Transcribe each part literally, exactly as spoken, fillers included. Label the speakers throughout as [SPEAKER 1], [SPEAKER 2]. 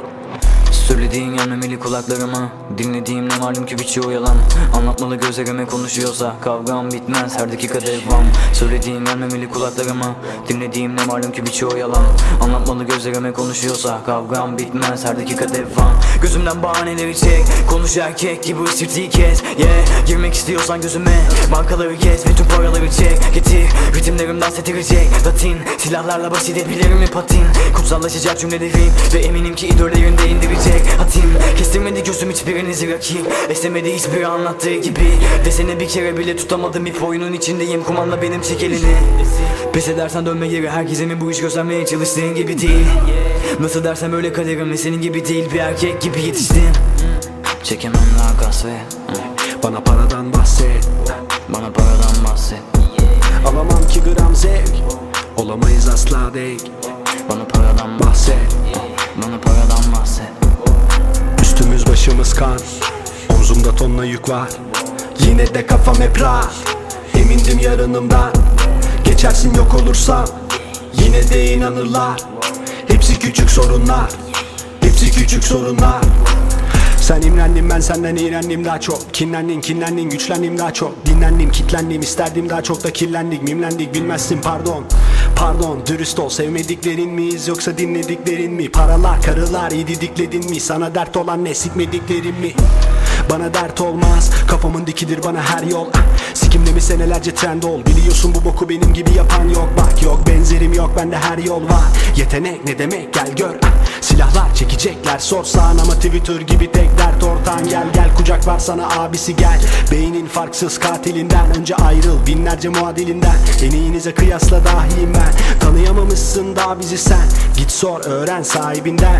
[SPEAKER 1] Söylediğin gelmemeli kulaklarıma, dinlediğim ne malum ki birçoğu yalan. Anlatmalı gözlerime konuşuyorsa kavgam bitmez, her dakika devam. Söylediğin gelmemeli kulaklarıma, dinlediğim ne malum ki birçoğu yalan. Anlatmalı gözlerime konuşuyorsa kavgam bitmez, her dakika devam. Gözümden bahaneleri çek, konuş erkek gibi ısırtıyı kes. Yeah, girmek istiyorsan gözüme, bankaları kes ve tüm paraları çek. Getir, ritimlerim dans ettirecek Latin, silahlarla basit edebilirim mi patin. Kutsallaşacak cümlelerim ve eminim ki idollerin de indirecek hatim. Kestirmedi gözüm hiçbirinizi rakip, esnemedi hiçbir anlattığı gibi. Desene bir kere bile tutamadım, ip oyunun içindeyim, kumanda benim, çek elini. Pes edersen dönme geri, herkese mi bu iş göstermeye çalıştığın gibi değil. Nasıl dersem öyle kaderim ve senin gibi değil, bir erkek gibi yetiştim. Çekemem daha kasvet,
[SPEAKER 2] bana paradan bahset,
[SPEAKER 1] bana paradan bahset.
[SPEAKER 2] Alamam ki gram zevk, olamayız asla denk.
[SPEAKER 1] Bana paradan bahset, bana paradan bahset.
[SPEAKER 2] Üstümüz başımız kan, omzumda tonla yük var. Yine de kafam hep rahat, emindim yarınımdan. Geçersin yok olursam, yine de inanırlar. Hepsi küçük sorunlar, hepsi küçük sorunlar. Sen imrendin, ben senden iğrendim daha çok. Kinlendin, kinlendin, güçlendim daha çok. Dinlendim, kitlendim, isterdim daha çok da kirlendik. Mimlendik, bilmezsin pardon. Pardon, dürüst ol, sevmediklerin miyiz yoksa dinlediklerin mi? Paralar, karılar, iyi didikledin mi? Sana dert olan ne, sikmediklerin mi? Bana dert olmaz, kafamın dikidir bana her yol. Sikimde mi senelerce trend ol, biliyorsun bu boku benim gibi yapan yok. Bak yok benzerim yok, bende her yol var. Yetenek ne demek gel gör. Silahlar çekecekler sorsan ama Twitter gibi tek dert ortağın. Gel gel kucak var sana abisi gel. Beynin farksız katilinden, önce ayrıl binlerce muadilinden. En iyinize kıyasla dahiyim ben. Tanıyamamışsın daha bizi sen, git sor öğren sahibinden.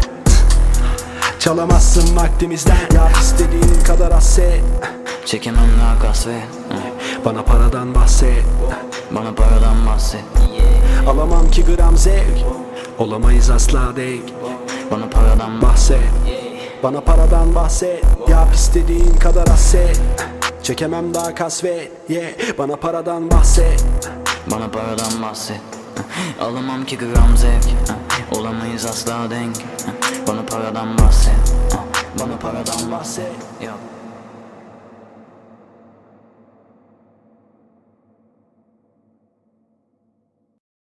[SPEAKER 2] Çalamazsın vaktimizden, yap istediğin kadar hasset.
[SPEAKER 1] Çekemem daha kasvet,
[SPEAKER 2] bana paradan bahset,
[SPEAKER 1] bana paradan bahset.
[SPEAKER 2] Alamam ki gram zevk, olamayız asla denk.
[SPEAKER 1] Bana paradan bahset,
[SPEAKER 2] bana paradan bahset. Yap istediğin kadar hasset. Çekemem daha kasvet, yeah. Bana paradan bahset,
[SPEAKER 1] bana paradan bahset. Alamam ki gram zevk, olamayız asla denk. Bana paradan bahset, bana paradan bahset. Yok.